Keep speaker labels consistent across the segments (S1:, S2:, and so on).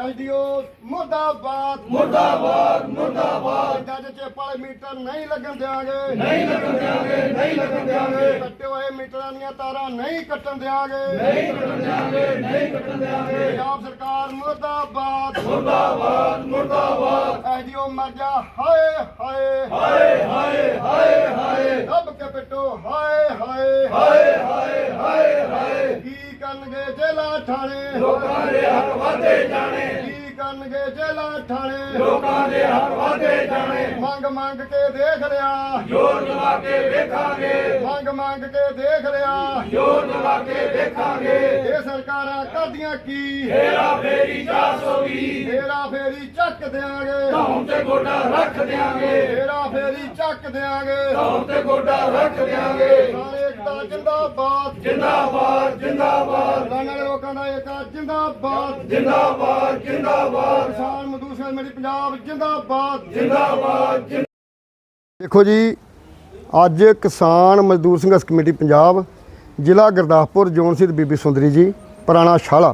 S1: SDO मुर्दाबाद
S2: मुर्दाबाद मुर्दाबाद।
S1: जज चेपाले मीटर नहीं लगन देंगे,
S2: नहीं लगन देंगे, नहीं लगन देंगे।
S1: कट्टे हुए मीटर दियां तारां नहीं कट्टन देंगे,
S2: नहीं कटन देंगे, नहीं कटन देंगे।
S1: पंजाब सरकार मुर्दाबाद
S2: मुर्दाबाद मुर्दाबाद।
S1: एसडीओ मर जा हाय हाय
S2: हाय हाय हाय हाय
S1: दब के पिटो हाय हाय
S2: हाय हाय हाय हाय।
S1: की करनगे जेला ठाणे
S2: लोकां दे हक वाधे जाने,
S1: की करनगे जेला ठाणे
S2: लोकां दे हक वाधे जाने।
S1: मंग मंग के देख लिया,
S2: जोर लगा के देखांगे,
S1: मंग मंग के देख लिया,
S2: जोर लगा के देखांगे।
S1: ये सरकारां करदियां की
S2: हेरा फेरी 420,
S1: हेरा फेरी चक देंगे,
S2: धौन ते गोडा रख देंगे,
S1: हेरा फेरी चक देंगे,
S2: धौन ते गोडा रख देंगे।
S1: सारे एकता जिंदाबाद
S2: जिंदाबाद जिंदाबाद
S1: लाने लोगों का एकता जिंदाबाद,
S2: जिंदाबाद जिंदाबाद
S1: किसान मजदूर संघ मेरी पंजाब जिंदाबाद
S2: जिंदाबाद।
S1: देखो जी, ਅੱਜ ਕਿਸਾਨ ਮਜ਼ਦੂਰ ਸੰਘਰਸ਼ ਕਮੇਟੀ ਪੰਜਾਬ ਜ਼ਿਲ੍ਹਾ ਗੁਰਦਾਸਪੁਰ ਜ਼ੋਨ ਸਿੱਧ ਬੀਬੀ ਸੁੰਦਰੀ ਜੀ ਪੁਰਾਣਾ ਸ਼ਾਲਾ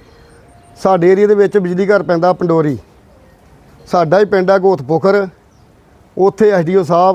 S1: ਸਾਡੇ ਏਰੀਏ ਦੇ ਵਿੱਚ ਬਿਜਲੀ ਘਰ ਪੈਂਦਾ ਪੰਡੋਰੀ, ਸਾਡਾ ਹੀ ਪਿੰਡ ਹੈ ਗੋਤਪੋਖਰ। ਉੱਥੇ ਐਸਡੀਓ ਸਾਹਿਬ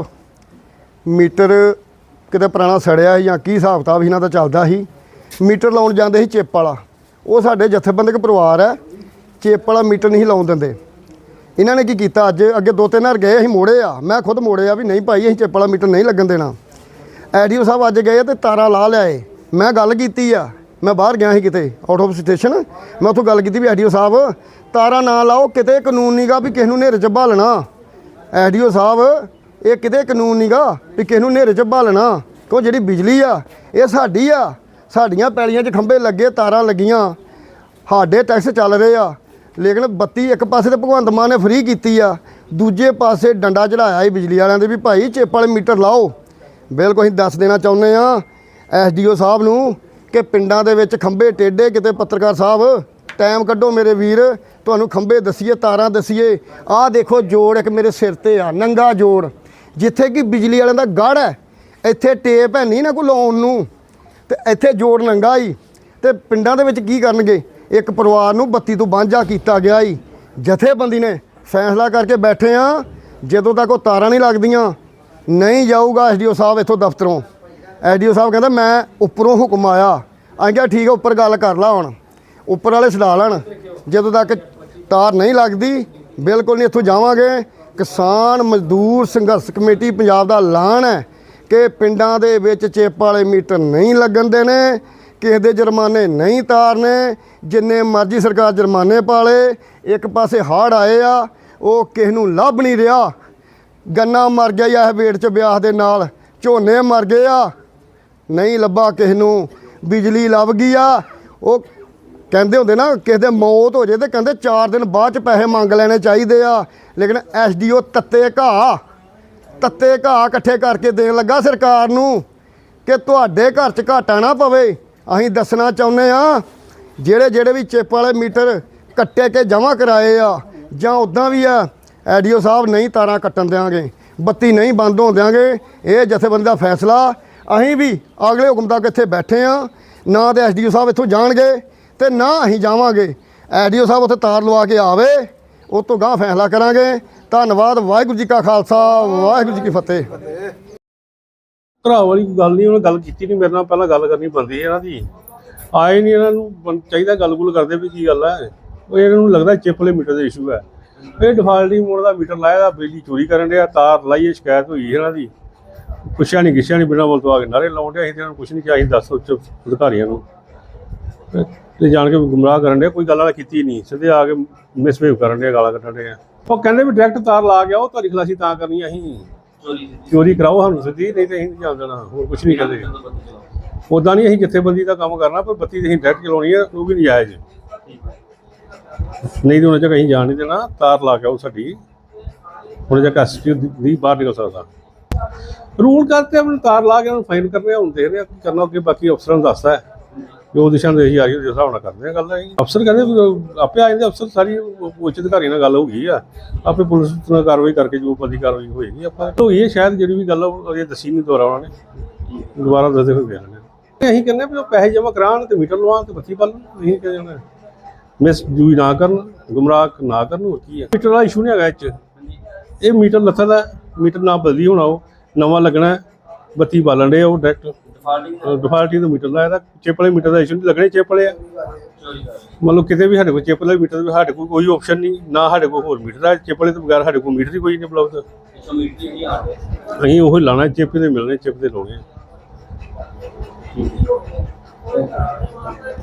S1: ਮੀਟਰ ਕਿਤੇ ਪੁਰਾਣਾ ਸੜਿਆ ਜਾਂ ਕੀ ਹਿਸਾਬ ਕਿਤਾਬ ਇਹਨਾਂ ਦਾ ਚੱਲਦਾ ਸੀ, ਮੀਟਰ ਲਾਉਣ ਜਾਂਦੇ ਸੀ ਚਿੱਪ ਵਾਲਾ। ਉਹ ਸਾਡੇ ਜਥੇਬੰਦਕ ਪਰਿਵਾਰ ਹੈ, ਚਿੱਪ ਵਾਲਾ ਮੀਟਰ ਨਹੀਂ ਲਾਉਣ ਦਿੰਦੇ। ਇਹਨਾਂ ਨੇ ਕੀ ਕੀਤਾ, ਅੱਜ ਅੱਗੇ 2-3 ਵਾਰ ਗਏ ਅਸੀਂ ਮੋੜੇ ਆ, ਮੈਂ ਖੁਦ ਮੋੜੇ ਆ ਵੀ ਨਹੀਂ ਭਾਈ ਅਸੀਂ ਚਿੱਪ ਵਾਲਾ ਮੀਟਰ ਨਹੀਂ ਲੱਗਣ ਦੇਣਾ। ਐਸਡੀਓ ਸਾਹਿਬ ਅੱਜ ਗਏ ਤੇ ਤਾਰਾਂ ਲਾ ਲਿਆਏ। ਮੈਂ ਗੱਲ ਕੀਤੀ ਆ, ਮੈਂ ਬਾਹਰ ਗਿਆ ਸੀ ਕਿਤੇ ਆਊਟ ਆਫ ਸਟੇਸ਼ਨ, ਮੈਂ ਉੱਥੋਂ ਗੱਲ ਕੀਤੀ ਵੀ ਐਸਡੀਓ ਸਾਹਿਬ ਤਾਰਾਂ ਨਾ ਲਾਓ, ਕਿਤੇ ਕਾਨੂੰਨ ਨਹੀਂਗਾ ਵੀ ਕਿਸੇ ਨੂੰ ਹਨੇਰੇ 'ਚ ਭਾਲਣਾ। ਐਸਡੀਓ ਸਾਹਿਬ ਇਹ ਕਿਤੇ ਕਾਨੂੰਨ ਨਹੀਂਗਾ ਵੀ ਕਿਸੇ ਨੂੰ ਹਨੇਰੇ 'ਚ ਭਾਲਣਾ, ਕਿਉਂ ਜਿਹੜੀ ਬਿਜਲੀ ਆ ਇਹ ਸਾਡੀ ਆ, ਸਾਡੀਆਂ ਪੈਲੀਆਂ 'ਚ ਖੰਭੇ ਲੱਗੇ, ਤਾਰਾਂ ਲੱਗੀਆਂ, ਸਾਡੇ ਟੈਕਸ ਚੱਲ ਰਹੇ ਆ। ਲੇਕਿਨ ਬੱਤੀ ਇੱਕ ਪਾਸੇ ਤੇ ਭਗਵੰਤ ਮਾਨ ਨੇ ਫ੍ਰੀ ਕੀਤੀ ਆ, ਦੂਜੇ ਪਾਸੇ ਡੰਡਾ ਚੜਾਇਆ ਹੀ ਬਿਜਲੀ ਵਾਲਿਆਂ ਦੇ ਵੀ ਭਾਈ ਚਿੱਪ ਵਾਲੇ ਮੀਟਰ ਲਾਓ। ਬਿਲਕੁਲ ਅਸੀਂ ਦੱਸ ਦੇਣਾ ਚਾਹੁੰਦੇ ਆ ਐਸਡੀਓ ਸਾਹਿਬ ਨੂੰ ਕਿ ਪਿੰਡਾਂ ਦੇ ਵਿੱਚ ਖੰਭੇ ਟੇਢੇ, ਕਿਤੇ ਪੱਤਰਕਾਰ ਸਾਹਿਬ ਟਾਈਮ ਕੱਢੋ ਮੇਰੇ ਵੀਰ, ਤੁਹਾਨੂੰ ਖੰਭੇ ਦਸੀਏ, ਤਾਰਾਂ ਦਸੀਏ। ਆਹ ਦੇਖੋ ਜੋੜ ਇੱਕ ਮੇਰੇ ਸਿਰ ਤੇ ਆ, ਨੰਗਾ ਜੋੜ, ਜਿੱਥੇ ਕਿ ਬਿਜਲੀ ਵਾਲਿਆਂ ਦਾ ਗੜ੍ਹ ਹੈ, ਇੱਥੇ ਟੇਪ ਹੈ ਨਹੀਂ ਨਾ ਕੋਈ ਲਾਉਣ ਨੂੰ, ਤੇ ਇੱਥੇ ਜੋੜ ਨੰਗਾ ਹੀ। ਤੇ ਪਿੰਡਾਂ ਦੇ ਵਿੱਚ ਕੀ ਕਰਨਗੇ, ਇੱਕ ਪਰਿਵਾਰ ਨੂੰ ਬੱਤੀ ਤੋਂ ਵਾਂਝਾ ਕੀਤਾ ਗਿਆ ਹੀ। ਜਥੇਬੰਦੀ ਨੇ ਫੈਸਲਾ ਕਰਕੇ ਬੈਠੇ ਆ, ਜਦੋਂ ਤੱਕ ਉਹ ਤਾਰਾਂ ਨਹੀਂ ਲੱਗਦੀਆਂ ਨਹੀਂ ਜਾਊਗਾ ਐਸਡੀਓ ਸਾਹਿਬ ਇੱਥੋਂ ਦਫ਼ਤਰੋਂ। ਐਸਡੀਓ ਸਾਹਿਬ ਕਹਿੰਦਾ ਮੈਂ ਉੱਪਰੋਂ ਹੁਕਮ ਆਇਆ। ਅਸੀਂ ਕਿਹਾ ਠੀਕ ਹੈ, ਉੱਪਰ ਗੱਲ ਕਰ ਲਾ, ਹੁਣ ਉੱਪਰ ਵਾਲੇ ਛਡਾ ਲੈਣ, ਜਦੋਂ ਤੱਕ ਤਾਰ ਨਹੀਂ ਲੱਗਦੀ ਬਿਲਕੁਲ ਨਹੀਂ ਇੱਥੋਂ ਜਾਵਾਂਗੇ। ਕਿਸਾਨ ਮਜ਼ਦੂਰ ਸੰਘਰਸ਼ ਕਮੇਟੀ ਪੰਜਾਬ ਦਾ ਐਲਾਨ ਹੈ ਕਿ ਪਿੰਡਾਂ ਦੇ ਵਿੱਚ ਚਿੱਪ ਵਾਲੇ ਮੀਟਰ ਨਹੀਂ ਲੱਗਣ ਦੇਣੇ, ਕਿਸੇ ਦੇ ਜੁਰਮਾਨੇ ਨਹੀਂ ਤਾਰਨੇ, ਜਿੰਨੇ ਮਰਜ਼ੀ ਸਰਕਾਰ ਜੁਰਮਾਨੇ ਪਾ ਲੇ। ਇੱਕ ਪਾਸੇ ਹੜ੍ਹ ਆਏ ਆ, ਉਹ ਕਿਸੇ ਨੂੰ ਲੱਭ ਨਹੀਂ ਰਿਹਾ। ਗੰਨਾ ਮਰ ਗਿਆ ਇਹ ਵੇੜ 'ਚ ਵਿਆਹ ਦੇ ਨਾਲ, ਝੋਨੇ ਮਰ ਗਏ ਆ, ਨਹੀਂ ਲੱਭਾ ਕਿਸੇ ਨੂੰ। ਬਿਜਲੀ ਲੱਭ ਗਈ ਆ, ਉਹ ਕਹਿੰਦੇ ਹੁੰਦੇ ਨਾ ਕਿਸੇ ਦੇ ਮੌਤ ਹੋ ਜੇ ਤੇ ਕਹਿੰਦੇ 4 ਦਿਨ ਬਾਅਦ 'ਚ ਪੈਸੇ ਮੰਗ ਲੈਣੇ ਚਾਹੀਦੇ ਆ। ਲੇਕਿਨ ਐਸਡੀਓ ਤੱਤੇ ਘਾਹ ਇਕੱਠੇ ਕਰਕੇ ਦੇਣ ਲੱਗਾ ਸਰਕਾਰ ਨੂੰ ਕਿ ਤੁਹਾਡੇ ਘਰ 'ਚ ਘਾਟਾ ਨਾ ਪਵੇ। ਅਸੀਂ ਦੱਸਣਾ ਚਾਹੁੰਦੇ ਆ ਜਿਹੜੇ ਵੀ ਚਿੱਪ ਵਾਲੇ ਮੀਟਰ ਕੱਟੇ ਕੇ ਜਮ੍ਹਾਂ ਕਰਾਏ ਆ ਜਾਂ ਉੱਦਾਂ ਵੀ ਆ, ਐਸਡੀਓ ਸਾਹਿਬ ਨਹੀਂ ਤਾਰਾਂ ਕੱਟਣ ਦਿਆਂਗੇ, ਬੱਤੀ ਨਹੀਂ ਬੰਦ ਹੋਣ ਦਿਆਂਗੇ। ਇਹ ਜਥੇਬੰਦੀ ਦਾ ਫੈਸਲਾ। ਅਸੀਂ ਵੀ ਅਗਲੇ ਹੁਕਮ ਤੱਕ ਇੱਥੇ ਬੈਠੇ ਆ, ਨਾ ਤਾਂ ਐਸਡੀਓ ਸਾਹਿਬ ਇੱਥੋਂ ਜਾਣਗੇ ਤੇ ਨਾ ਅਸੀਂ ਜਾਵਾਂਗੇ। ਐਸਡੀਓ ਸਾਹਿਬ ਉੱਥੇ ਤਾਰ ਲਵਾ ਕੇ ਆਵੇ, ਉਹ ਤੋਂ ਗਾਂਹ ਫੈਸਲਾ ਕਰਾਂਗੇ। ਧੰਨਵਾਦ। ਵਾਹਿਗੁਰੂ ਜੀ ਕਾ ਖਾਲਸਾ, ਵਾਹਿਗੁਰੂ ਜੀ ਕੀ ਫਤਿਹ।
S3: ਘਰਾ ਵਾਲੀ ਗੱਲ ਨਹੀਂ, ਉਹਨੇ ਗੱਲ ਕੀਤੀ ਨਹੀਂ ਮੇਰੇ ਨਾਲ, ਪਹਿਲਾਂ ਗੱਲ ਕਰਨੀ ਬਣਦੀ ਇਹਨਾਂ ਦੀ। ਆਏ ਨਹੀਂ, ਇਹਨਾਂ ਨੂੰ ਚਾਹੀਦਾ ਗੱਲ ਕਰਦੇ ਵੀ ਕੀ ਗੱਲ ਹੈ। ਉਹ ਇਹਨਾਂ ਨੂੰ ਲੱਗਦਾ ਚਿੱਪ ਵਾਲੇ ਮੀਟਰ ਦਾ ਇਸ਼ੂ ਹੈ। ਇਹ ਡਿਫਾਲਟਿੰਗ ਮੋਡ ਦਾ ਮੀਟਰ ਲਾਇਆ ਦਾ, ਬਿਜਲੀ ਚੋਰੀ ਕਰਨ ਡਿਆ, ਤਾਰ ਲਾਈਏ, ਸ਼ਿਕਾਇਤ ਹੋਈ ਇਹਨਾਂ ਦੀ। ਪੁੱਛਿਆ ਨਹੀਂ ਗਿੱਛਿਆ ਨਹੀਂ, ਬਿਨਾਂ ਬੋਲ ਤੋਂ ਆ ਕੇ ਨਾਰੇ ਲਾਉਣ ਡਿਆ। ਅਸੀਂ ਇਹਨਾਂ ਨੂੰ ਕੁਛ ਨਹੀਂ ਕਿਹਾ, ਅਸੀਂ ਦੱਸ ਉੱਚ ਅਧਿਕਾਰੀਆਂ ਨੂੰ ਤੇ ਜਾਣ ਕੇ ਗੁੰਮਰਾਹ ਕਰਨ ਡਿਆ। ਕੋਈ ਗੱਲ ਵਾਲਾ ਕੀਤੀ ਨਹੀਂ, ਸਿੱਧੇ ਆ ਕੇ ਮਿਸਬਿਹੇਵ ਕਰਨ ਡਿਆ, ਗਾਲਾਂ ਕੱਢਣ ਡਿਆ। ਉਹ ਕਹਿੰਦੇ ਵੀ ਡਾਇਰੈਕਟ ਤਾਰ ਲਾ ਗਿਆ, ਉਹ ਤੁਹਾਡੀ ਖਲਾਸੀ ਤਾਂ ਕਰਨੀ, ਅਸੀਂ ਚੋਰੀ ਕਰਾਓ ਸਾਨੂੰ ਸਿੱਧੀ, ਨਹੀਂ ਤਾਂ ਅਸੀਂ ਨਹੀਂ ਜਾਣ ਦੇਣਾ। ਹੋਰ ਕੁਛ ਨਹੀਂ ਕਹਿੰਦੇ। ਉੱਦਾਂ ਨਹੀਂ ਅਸੀਂ ਜਥੇਬੰਦੀ ਦਾ ਕੰਮ ਕਰਨਾ, ਪਰ ਬੱਤੀ ਅਸੀਂ ਡਾਇਰੈਕਟ ਚਲਾਉਣੀ ਹੈ, ਉਹ ਵੀ ਨਜਾਇਜ਼ ਨਹੀਂ। ਤਾਂ ਉਹਨਾਂ ਚੱਕ ਅਸੀਂ ਜਾਣ ਨਹੀਂ ਦੇਣਾ। ਤਾਰ ਲਾ ਕੇ ਉਹ ਸਾਡੀ ਹੁਣ ਚੱਕ ਐਸਪੀ ਦੀ ਬਾਹਰ ਨਿਕਲ ਸਕਦਾ। ਰੂਲ ਕਰਤੇ ਆਪਣੀ ਤਾਰ ਲਾ ਕੇ ਉਹਨੂੰ ਫਾਈਨ ਕਰਨੇ, ਹੁਣ ਦੇਖ ਰਹੇ ਕੀ ਕਰਨਾ ਅੱਗੇ। ਬਾਕੀ ਅਫਸਰਾਂ ਨੂੰ ਦੱਸਦਾ ਹੈ ਜੋ ਦਿਸ਼ਾ ਨਿਰਦੇਸ਼ ਆ ਰਹੀ, ਉਸ ਹਿਸਾਬ ਨਾਲ ਕਰਦੇ ਆ ਗੱਲ। ਅਫਸਰ ਕਹਿੰਦੇ ਆਪੇ ਆ ਜਾਂਦੇ ਅਫਸਰ, ਸਾਰੀ ਉੱਚ ਅਧਿਕਾਰੀ ਨਾਲ ਗੱਲ ਹੋ ਗਈ ਆ, ਆਪੇ ਪੁਲਿਸ ਨਾਲ ਕਾਰਵਾਈ ਕਰਕੇ ਜੋ ਬੰਦੀ ਕਾਰਵਾਈ ਹੋਏਗੀ ਆਪਾਂ ਹੋਈ ਹੈ। ਸ਼ਾਇਦ ਜਿਹੜੀ ਵੀ ਗੱਲ ਉਹ ਦੱਸੀ ਨਹੀਂ ਦੁਬਾਰਾ ਉਹਨਾਂ ਨੇ, ਦੁਬਾਰਾ ਦੱਸਦੇ ਹੋਏ ਗਏ ਨੇ। ਅਸੀਂ ਕਹਿੰਦੇ ਵੀ ਉਹ ਪੈਸੇ ਜਮ੍ਹਾਂ ਕਰਾਉਣ ਤੇ ਮੀਟਰ ਲਵਾਉਣ ਤੇ ਬੱਤੀ ਪਾਲਣ। ਅਸੀਂ ਕਹਿੰਦੇ ਮਿਸਯੂਜ਼ ਨਾ ਕਰਨ, ਗੁੰਮਰਾਹ ਨਾ ਕਰਨ। ਹੋਰ ਕੀ ਹੈ, ਮੀਟਰ ਦਾ ਇਸ਼ੂ ਨਹੀਂ ਹੈਗਾ ਇਹ 'ਚ। ਇਹ ਮੀਟਰ ਲੱਥਾ ਦਾ ਮੀਟਰ ਨਾ ਬਦਲੀ ਹੋਣਾ, ਉਹ ਨਵਾਂ ਲੱਗਣਾ ਹੈ। ਬੱਤੀ ਬਾਲਣ ਦੇ ਉਹ ਡਾਇਰੈਕਟ ਡਿਫਾਲਟੀ ਦਾ ਮੀਟਰ ਦਾ, ਇਹਦਾ ਚਿੱਪ ਵਾਲੇ ਮੀਟਰ ਦਾ ਇਸ਼ੂ ਨਹੀਂ ਲੱਗਣੇ। ਚਿੱਪ ਵਾਲੇ ਆ ਮਤਲਬ ਕਿਤੇ ਵੀ ਸਾਡੇ ਕੋਲ ਚਿੱਪ ਵਾਲੇ ਮੀਟਰ ਸਾਡੇ ਕੋਲ ਕੋਈ ਆਪਸ਼ਨ ਨਹੀਂ, ਨਾ ਸਾਡੇ ਕੋਲ ਹੋਰ ਮੀਟਰ ਹੈ। ਚਿੱਪ ਵਾਲੇ ਤੋਂ ਬਗੈਰ ਸਾਡੇ ਕੋਲ ਮੀਟਰ ਹੀ ਕੋਈ ਨਹੀਂ ਉਪਲਬਧ। ਅਸੀਂ ਉਹ ਲਾਉਣਾ, ਚਿੱਪ ਦੇ ਮਿਲਣੇ, ਚਿੱਪ ਦੇ ਲਾਉਣੇ।